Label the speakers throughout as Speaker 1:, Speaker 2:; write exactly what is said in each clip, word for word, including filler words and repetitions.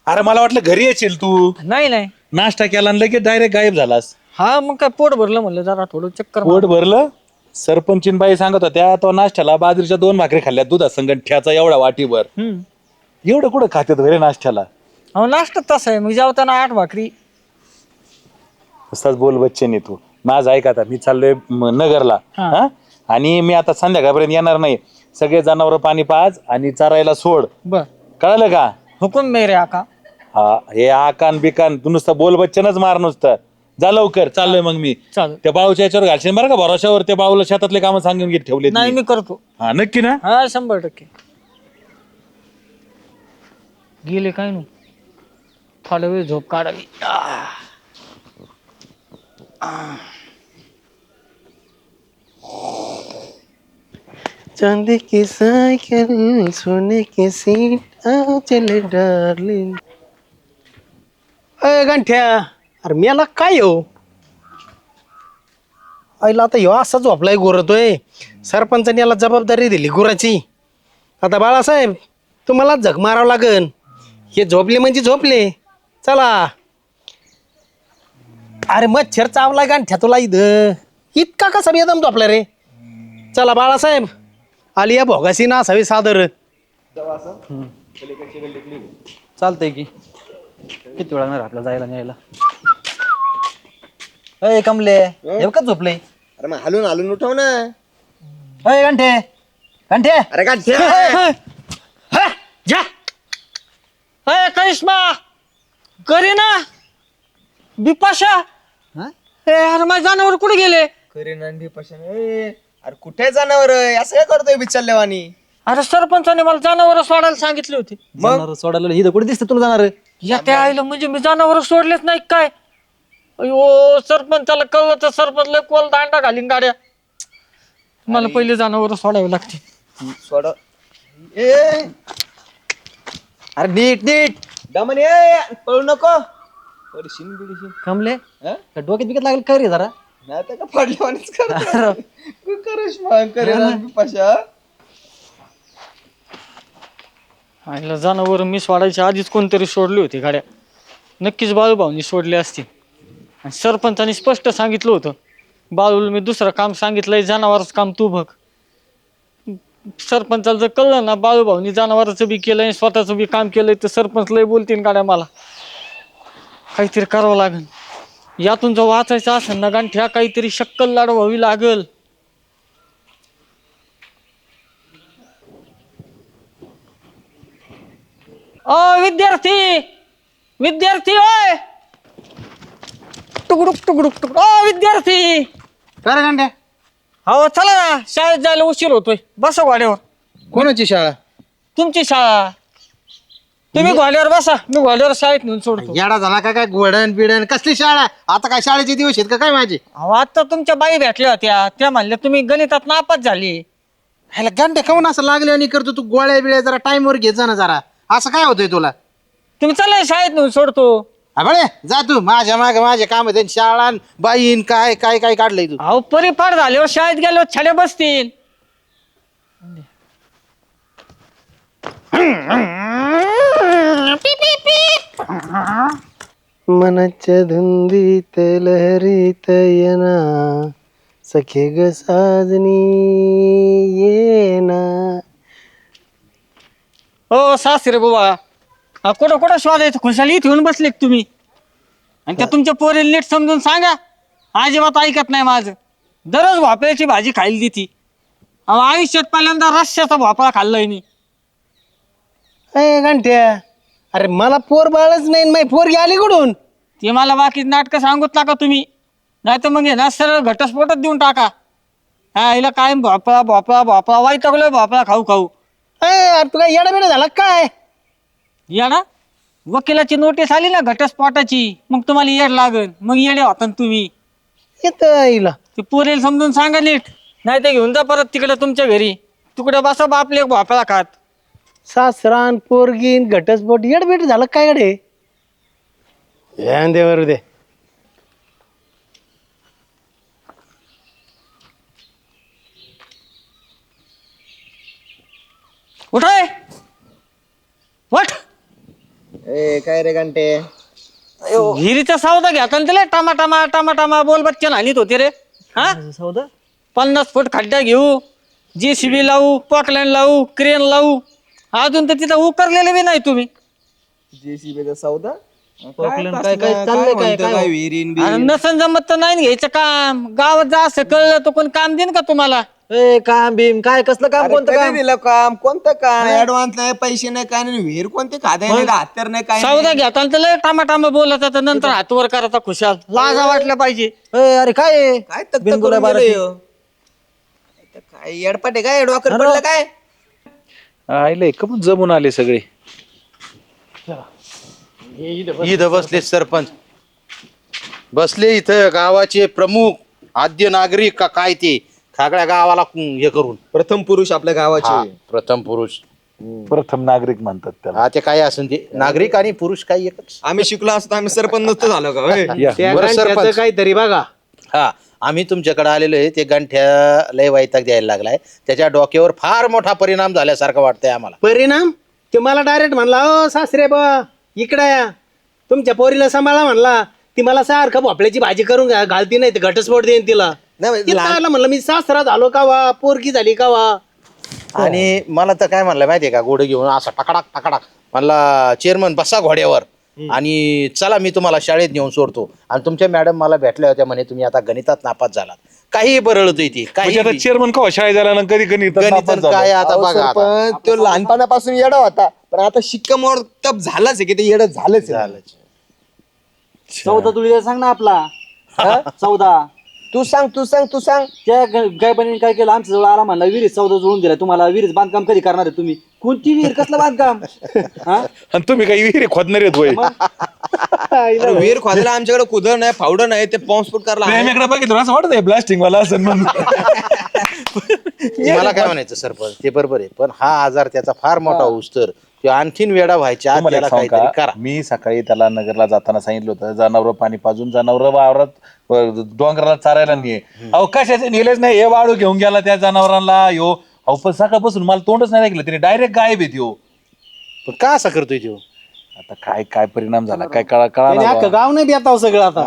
Speaker 1: अरे मला वाटलं घरी येशील तू.
Speaker 2: नाही नाही.
Speaker 1: नाश्ता केला आणि लगेच डायरेक्ट गायब झालास.
Speaker 2: हा मग काय पोट भरलं म्हणलं जरा थोडं चक्कर
Speaker 1: पोट भरलं. सरपंचीन बाई सांगत होत्या तो नाश्त्याला बाजरीच्या दोन भाकरी खाल्ल्या दुधा संगत ठ्याचा एवढा वाटीभर.
Speaker 2: हम्म.
Speaker 1: एवढं कुठं खात्यात घरी नाश्त्याला.
Speaker 2: अहो नाश्ता तसा आहे मग जेवताना आठ भाकरी.
Speaker 1: तसाच बोल बच्चन तू. माझं ऐक आता मी चाललोय म- नगरला.
Speaker 2: हा.
Speaker 1: हा आणि मी आता संध्याकाळपर्यंत येणार नाही. सगळे जनावर पाणी पाज आणि चरायला सोड.
Speaker 2: बर.
Speaker 1: कळलं का?
Speaker 2: हुकुम मेरे आका.
Speaker 1: हा हे आकान बिकान तू नुसतं बोल बच्चनच मार नुसतं. जा लवकर चाललोय मग मी.
Speaker 2: चालेल.
Speaker 1: त्या बाळूच्या याच्यावर घालशील बरं का भरोशावर. त्या बाळूला शेतातले कामं सांगून घेत ठेवले.
Speaker 2: नाही मी करतो.
Speaker 1: हा नक्की ना.
Speaker 2: हा शंभर टक्के. गेले काय नाही थोडा वेळ झोप काढावी.
Speaker 3: चांदी की साइकिल सोने की सीट आ चले डार्लिंग. अय गंठ्या अरे मेला काय हो आईला आता ह्यो असा झोपलाय गोरतोय. सरपंचाने याला जबाबदारी दिली गुराची. आता बाळासाहेब तुम्हाला झक मारावं लागन. हे झोपले म्हणजे झोपले. चला अरे मच्छर चावला गंठ्या तुला इथं इतका कसा बेदम झोपला रे. चला बाळासाहेब आली या भोगासी ना असावी सादर.
Speaker 4: चालतंय की किती वेळा आपल्याला जायला न्यायला. अय कमले हे का झोपले.
Speaker 3: अरे मग हलून हलून उठव ना.
Speaker 4: अय घंटे घंटे
Speaker 3: अरे का
Speaker 2: जा अय करिश्मा करी ना बिपाशा. ए अरे माझे जनावर कुठे गेले.
Speaker 3: अरे कुठे जाणार असं काय करतोय बिचारल्यावानी.
Speaker 2: अरे सरपंचाने मला जनावर सोडायला सांगितले होते.
Speaker 4: मग सोडायला ही कुठे दिसते तुला जाणार.
Speaker 2: या त्या आईला म्हणजे मी जनावर सोडलेच नाही काय. अयो सरपंचाला कळलं तर सरपंच लय कोल दांडा घालीन गाड्या. मला पहिले जनावर सोडावे लागते.
Speaker 3: सोड ए
Speaker 4: अरे नीट नीट
Speaker 3: दमन ए पळू नको. पडशीन बिडशीन
Speaker 4: कमले
Speaker 3: हा?
Speaker 4: का डोक्यात बिकत लागेल काय रे जरा.
Speaker 3: नाही तर का पडल्यावानीच करतो. तू करिश्मा करेल बिपाशा.
Speaker 2: आईला जनावर मी सोडायच्या आधीच कोणतरी सोडली होती गाड्या. नक्कीच बाळूभाऊनी सोडली असती. आणि सरपंचाने स्पष्ट सांगितलं होतं बाळूला मी दुसरं काम सांगितलंय जनावरच काम तू बघ. सरपंचाला जर कळलं ना बाळूभाऊनी जनावराचं बी केलंय स्वतःचं बी काम केलंय तर सरपंच लय बोलतील गाड्या मला. काहीतरी करावं लागेल. यातून जर वाचायचं असेल ना गांठ्या काहीतरी शक्कल लाडवावी लागल. ओ विद्यार्थी विद्यार्थी ओय टुकडुक टुकडुक टुकडुक ओ विद्यार्थी.
Speaker 3: काय गंठ्या
Speaker 2: हो चला ना शाळेत जायला उशीर होतोय. बसा घोड्यावर.
Speaker 3: कोणाची शाळा.
Speaker 2: तुमची शाळा. तुम्ही घोड्यावर बसा मी घोड्यावर शाळेत नेऊन सोडतो.
Speaker 3: येडा झाला का काय गोडण बिडण कसली शाळा. आता काय शाळेचे दिवस आहेत का काय माझे.
Speaker 2: अहो आता तुमच्या बाई भेटल्या होत्या त्या म्हणल्या तुम्ही गणितात नापास झाली.
Speaker 3: ह्याला गंठ्या खाऊन असं लागले आणि करतो तू गोळ्या बिळ्या जरा टाइमवर घे जा ना जरा. असं काय होतंय तुला.
Speaker 2: तुम्ही चला शाळेत नेऊन सोडतो.
Speaker 3: बळे जा तू माझ्या मागे माझे काम आहे शाळा बाईन काय काय काय काढलंय तू.
Speaker 2: अहो परिपाठ झाल्यावर शाळेत गेल्यावर छडे बसतील.
Speaker 3: मनाच्या धुंदीत लहरीत येना सखे ग साजनी येना.
Speaker 2: हो सासरे बाबा हा, कुठं कुठं शोधायचं खुशाली इथे येऊन बसले का तुम्ही. आणि त्या तुमच्या पोरीला नीट समजून सांगा. अजिबात ऐकत नाही माझं. दररोज भोपळ्याची भाजी खायला देती. अहो आयुष्यात पहिल्यांदा रश्श्याचा भोपळा खाल्लाय मी.
Speaker 3: अय गंठ्या अरे मला पोर बाळच नाही माही पोरगी आली कुठून.
Speaker 2: ते मला बाकी नाटकं सांगूत नका तुम्ही. नाही तर मग हे ना सरळ घटस्फोटच देऊन टाका. हा हिला काय भोपळा भोपळा भोपळा वाईटगलोय भोपळा खाऊ खाऊ.
Speaker 3: अय अरे तुला येडा बिडा झाला काय.
Speaker 2: या ना वकिलाची नोटीस आली ना घटस्फोटाची मग तुम्हाला येड लागल. मग येडे होता ना तुम्ही.
Speaker 3: येत आईला
Speaker 2: ते पोरेल समजून सांगा नीट. नाही तर घेऊन जा परत तिकडे तुमच्या घरी. तिकडे बसा बापले भोपळा खात.
Speaker 3: सासरान पोरगीन घटस्फोट येडबीड झालं काय कडे. दे बरं दे.
Speaker 2: उठाय वठ.
Speaker 3: ए
Speaker 5: काय रे घंटे?
Speaker 2: विहिरीचा सौदा घेता ना त्याला टामा टामा टामा टामा बोल बच्चन हानीत होते रे हा
Speaker 5: सौदा
Speaker 2: पन्नास फूट खड्डा घेऊ जेसीबी लावू पॉकलँड लावू क्रेन लावू अजून तर तिथं उकरलेले बी नाही तुम्ही
Speaker 5: जेसीबीचा सौदा
Speaker 4: काय काय चाललंय काय काय
Speaker 5: विहिरीन
Speaker 2: अरे नसन जमत तर नाही घ्यायचं काम गावात जा असं कळलं तर कोण काम देईन का तुम्हाला
Speaker 4: ए काम भीम काय कसलं काम कोणतं काम
Speaker 5: दिलं काम कोणतं काम ऍडव्हान्स नाही पैसे नाही काय नाही विहीर कोणते खाते नाही हत्यार नाही काय
Speaker 2: सौदा घेताना तर लय टामा टामा बोलत तर नंतर हातवर करायचा खुशाल लाजा वाटलं पाहिजे
Speaker 4: ए, अरे काय आहे?
Speaker 5: काय तक्ता
Speaker 4: बिनगुरा
Speaker 5: करून
Speaker 4: बाराची.
Speaker 5: गेलं ह्यो? काय येडपाटे काय डोकर पडलं काय
Speaker 1: आईले का पण जमून आले सगळे.
Speaker 6: इथं बसले सरपंच बसले इथं गावाचे प्रमुख आद्य नागरिक का काय ते सगळ्या गावाला हे करून
Speaker 5: प्रथम पुरुष आपल्या
Speaker 6: हा,
Speaker 5: गावाचे
Speaker 6: प्रथम पुरुष
Speaker 1: प्रथम नागरिक म्हणतात त्याला.
Speaker 6: हा ते काय असून ते नागरिक आणि पुरुष काही एकच
Speaker 5: आम्ही शिकलो असतो आम्ही सरपंच नसतो झालो का होय?
Speaker 1: या.
Speaker 3: त्या
Speaker 6: बरं,
Speaker 3: गांठ्याचं
Speaker 6: सरपंच.
Speaker 3: काहीतरी बघा.
Speaker 6: हा आम्ही तुमच्याकडे आलेलो आहे ते गंठ्या लय वैताग द्यायला लागलाय त्याच्या डोक्यावर फार मोठा परिणाम झाल्यासारखं वाटतंय आम्हाला.
Speaker 3: परिणाम ते मला डायरेक्ट म्हणला ओ सासरे बा इकडे या तुमच्या पोरीला सांभाळा म्हणला. ती मला सारखं भोपळ्याची भाजी करून घा- घालती नाही तर घटस्फोट देईन तिला.
Speaker 5: नाही,
Speaker 3: तिला आलं म्हणलं मी सासरा झालो का वा पोरगी झाली का वा.
Speaker 6: आणि मला तर काय म्हणलं माहितीये का घोडे घेऊन असा टकडाक टकडाक म्हणला चेअरमन बसा घोड्यावर आणि चला मी तुम्हाला शाळेत नेऊन सोडतो. आणि तुमच्या मॅडम मला भेटल्या होत्या म्हणे तुम्ही आता गणितात नापास झालात. काही बरळत ती काही
Speaker 1: म्हणजे आता चेअरमन का शाळेत झाला ना कधी गणित
Speaker 6: गणित काय आता
Speaker 5: अहो,
Speaker 6: बघा आता.
Speaker 5: सरपंच, तो लहानपणापासून येडा होता पण आता शिक्कामोर्तब झालाच आहे की ते येडं झालंच आहे.
Speaker 6: झालंच.
Speaker 4: चौदा तुला सांग ना आपला हा? चौदा
Speaker 5: तू सांग तू सांग तू सांग
Speaker 4: त्या गायबाने काय केलं आमच्या जवळ आला म्हणला विहिरीत चौदा जुळून दिला तुम्हाला विहिरीत बांधकाम कधी करणार आहे तुम्ही कोणती विहीर कसलं बांधकाम हा
Speaker 1: आणि तुम्ही काही विहिरी खोदणार आहेत होय.
Speaker 5: अरे विहीर खोदायला आमच्याकडे कुदळ नाही फावडं नाही ते बॉम्बस्फोट करायला आहे.
Speaker 1: प्रेमीकडे बघितलं असं वाटत ब्लास्टिंग वाला असं म्हणून.
Speaker 6: मला काय म्हणायचं सरपंच ते बरोबर आहे पण हा आजार त्याचा फार मोठा होऊस तर तो आणखीन वेडा व्हायच्या आत
Speaker 1: तुम्हाला
Speaker 6: त्याला
Speaker 1: एक सांगू
Speaker 6: काहीतरी
Speaker 1: का?
Speaker 6: करा.
Speaker 1: मी सकाळी त्याला नगरला जाताना सांगितलं होतं जनावर पाणी पाजून जनावर वावरात व डोंगराला चारायला नाही. अहो कशाचे नेलेच नाही हे वाळू घेऊन गेला त्या जनावरांना यो. अहो पण सकाळपासून मला तोंडच नाही ऐकलं तिने डायरेक्ट गायब येत यो.
Speaker 6: पण का असा करतोय तो
Speaker 1: आता काय काय परिणाम झाला काय कळा कळा
Speaker 3: त्याने अख्खं गाव नाही बेताव सगळं आता.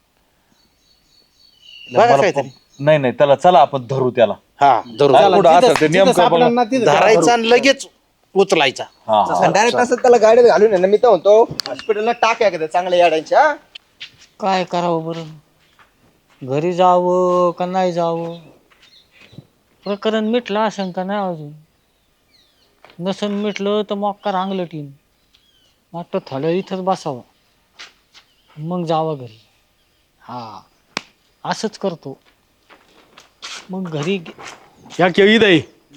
Speaker 6: बघा काहीतरी.
Speaker 1: नाही नाही त्याला चला आपण धरू त्याला.
Speaker 6: हा धरू
Speaker 1: हा, कुठं
Speaker 3: जिथं-
Speaker 1: असेल ते
Speaker 3: जिथं
Speaker 1: नेमकं
Speaker 3: सापडलं
Speaker 1: बघा.
Speaker 3: ना तिथं
Speaker 6: धरायचा आणि लगेच उचलायचा.
Speaker 1: हा, हा.
Speaker 5: डायरेक्ट असं त्याला गाडीत घालून आहे ना मी तर म्हणतो हॉस्पिटलला टाक्या का चांगल्या याड्यांच्या.
Speaker 2: काय करावं बरं घरी जावं का नाही जावं प्रकरण मिटलं आशंका नाही अजून नसन मिटलं तर मग का रांगलं टीम वाटतं थोडं इथंच बसावं मग जावं घरी हा असंच करतो मग घरी गे-
Speaker 3: या केळी दही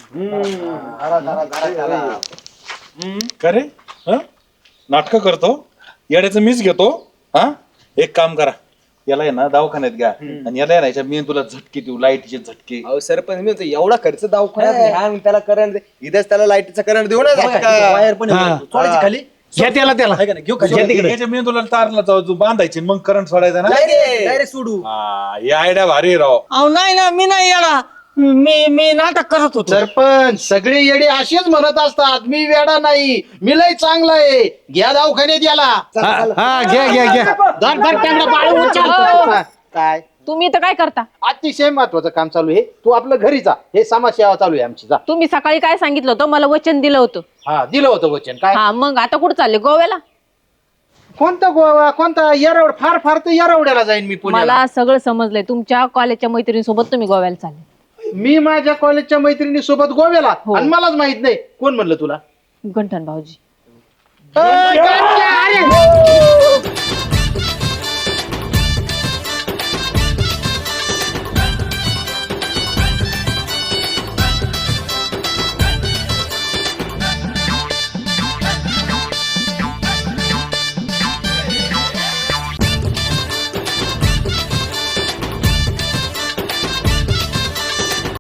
Speaker 1: का रे नाटक करतो येड्याचं मीच घेतो. हा एक काम करा याला आहे ना दवाखान्यात घ्या आणि याला यायच्या मी तुला झटके देऊ लाईटीचे झटके.
Speaker 5: अहो सरपंच मी म्हणतो एवढा खर्च दवाखान्यात नाही हा, मग त्याला करंट इथेच त्याला लाईटीचा करंट देऊ ना
Speaker 4: वायर पण आहे. सोडायची खाली
Speaker 3: घ्या त्याला त्याला
Speaker 4: आहे का नाही? घेऊ खाली
Speaker 1: याच्या मी तुला तारला जाऊ बांधायची मग करंट सोडायचा ना.
Speaker 4: डायरेक्ट सोडू
Speaker 1: हा ही आयडिया भारी आहे राव.
Speaker 2: अहो नाही ना मी नाही येणार मी मी नाटक करत होतो.
Speaker 3: सरपंच सगळे येडे असेच म्हणत असतात मी वेडा नाही मी लय चांगला आहे घ्या दवाखान्यात याला. हा घ्या घ्या घ्या धर, धर, त्यांना बाळू उचल.
Speaker 6: काय
Speaker 7: तुम्ही तर काय करता
Speaker 3: अतिशय महत्वाचं काम चालू आहे तू आपलं घरी जा हे समाजसेवा चालू आहे आमची जा.
Speaker 7: तुम्ही सकाळी काय सांगितलं होतं मला वचन दिलं होतं
Speaker 3: हा दिलं होतं वचन काय
Speaker 7: हा मग आता कुठं चालले गोव्याला
Speaker 3: कोणता गोवा कोणता येरवड फार फार तर येरवड्याला जाईन मी पुण्याला.
Speaker 7: मला सगळं समजलंय तुमच्या कॉलेजच्या मैत्रिणीसोबत तुम्ही गोव्याला चालले
Speaker 3: मी माझ्या कॉलेजच्या मैत्रिणी सोबत गोव्याला आणि मलाच माहित नाही कोण म्हणलं तुला.
Speaker 7: गंठन भाऊजी
Speaker 3: अ, गंठ्या, अरे.